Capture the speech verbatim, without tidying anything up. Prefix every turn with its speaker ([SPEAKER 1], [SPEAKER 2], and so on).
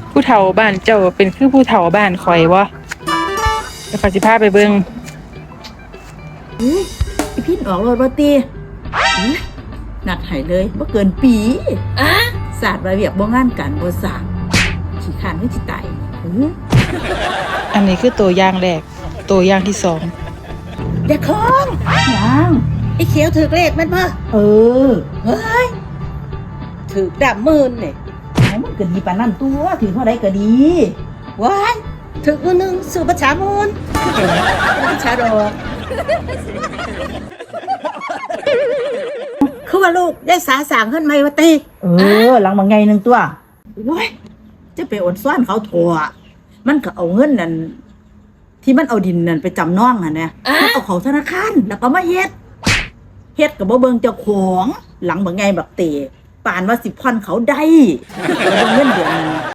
[SPEAKER 1] ผู้เฒ่าบ้านเจ้าเป็นคือผู้เฒ่าบ้านข่อยบ่เดี๋ยวข้อยสิพาไปเบิ่ง
[SPEAKER 2] เฮ้ยไอพินออกรถบ่ตีเฮ้ยนัดให้เลยบ่เกินปีอะศาสตร์ระเบียบบ่งานกันบ่สร้างขี้ข้านคือสิตายเออ
[SPEAKER 1] อันนี้คือตัวอย่างแรกตัวอย่างที่สอง
[SPEAKER 2] เด็กของยัง
[SPEAKER 3] ไอ้เขียวถือเลขแม่นบ่
[SPEAKER 2] เออ
[SPEAKER 3] เฮ้ยถือดำหมื่นนี่
[SPEAKER 2] เอามันก็ดีปานนั้นตัวถือเท่าใดก็ดี
[SPEAKER 3] ว้ายถือมือหนึงสู่ประชามูลประชาดอกคือว่าลูกได้สาสางขึ้นไหมวะตี
[SPEAKER 2] เออหลังบางไงหนึงตัวโว้ยจะไปอดซ้อนเขาถั่วมันก็เอาเงินนั่นที่มันเอาดินนั่นไปจำนองอ่ะนะมันเอาเขาธนาคารแล้วก็มาเฮ็ดเฮ็ดกับบ่เบิ่งเจ้าของหลังบางไงแบบเตะปานว่าสิผ่อนเขาได้แล้วเบิ่งเงินเดือนนั้น